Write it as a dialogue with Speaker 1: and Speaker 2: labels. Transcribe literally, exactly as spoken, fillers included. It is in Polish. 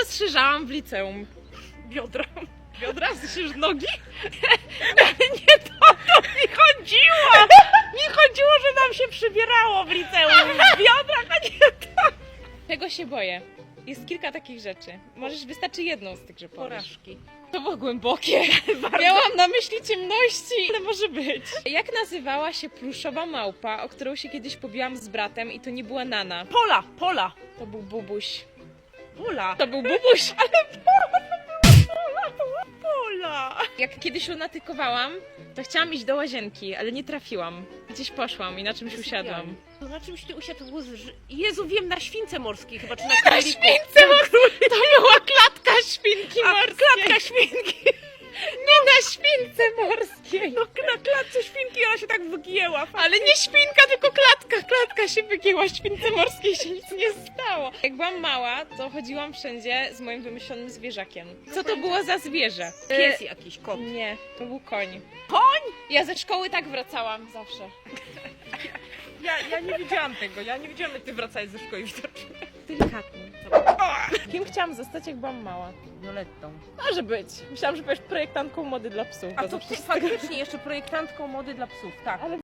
Speaker 1: rozszerzałam w liceum?
Speaker 2: Biodra.
Speaker 1: Biodra? Słyszysz nogi?
Speaker 2: Ale nie to, to mi chodziło! Mi chodziło, że nam się przybierało w liceum. W biodrach, a nie to.
Speaker 1: Czego się boję? Jest kilka takich rzeczy. Możesz, wystarczy jedną z tych, że powiesz.
Speaker 2: Porażki.
Speaker 1: To było głębokie. Miałam na myśli ciemności, ale może być. Jak nazywała się pluszowa małpa, o którą się kiedyś pobiłam z bratem i to nie była Nana?
Speaker 2: Pola, pola.
Speaker 1: To był Bubuś.
Speaker 2: Pola.
Speaker 1: To był Bubuś.
Speaker 2: Pola.
Speaker 1: Jak kiedyś lunatykowałam, to chciałam iść do łazienki, ale nie trafiłam. Gdzieś poszłam i na czymś usiadłam.
Speaker 2: To na czymś ty usiadł? Jezu, wiem, na śwince morskiej chyba, czy na
Speaker 1: Na
Speaker 2: króliku.
Speaker 1: śwince morskiej! To była klatka świnki
Speaker 2: A,
Speaker 1: morskiej!
Speaker 2: klatka świnki.
Speaker 1: Nie na śwince morskiej!
Speaker 2: No na klatce świnki ona się tak wygięła.
Speaker 1: Ale nie świnka, tylko klatka! Klatka się wygięła, śwince morskiej się nic nie stało. Jak byłam mała, to chodziłam wszędzie z moim wymyślonym zwierzakiem. Co to było za zwierzę?
Speaker 2: Pies jakiś, kot.
Speaker 1: Nie, to był koń.
Speaker 2: Koń?
Speaker 1: Ja ze szkoły tak wracałam zawsze.
Speaker 2: Ja, ja nie widziałam tego, ja nie widziałam, jak ty wracałeś ze szkoły widocznie.
Speaker 1: Delikatnie. Kim chciałam zostać, jak byłam mała?
Speaker 2: Violettą.
Speaker 1: Może być. Myślałam, że powiesz projektantką mody dla psów.
Speaker 2: A
Speaker 1: bo
Speaker 2: to
Speaker 1: zawsze z tego-
Speaker 2: faktycznie jeszcze projektantką mody dla psów, tak.
Speaker 1: Ale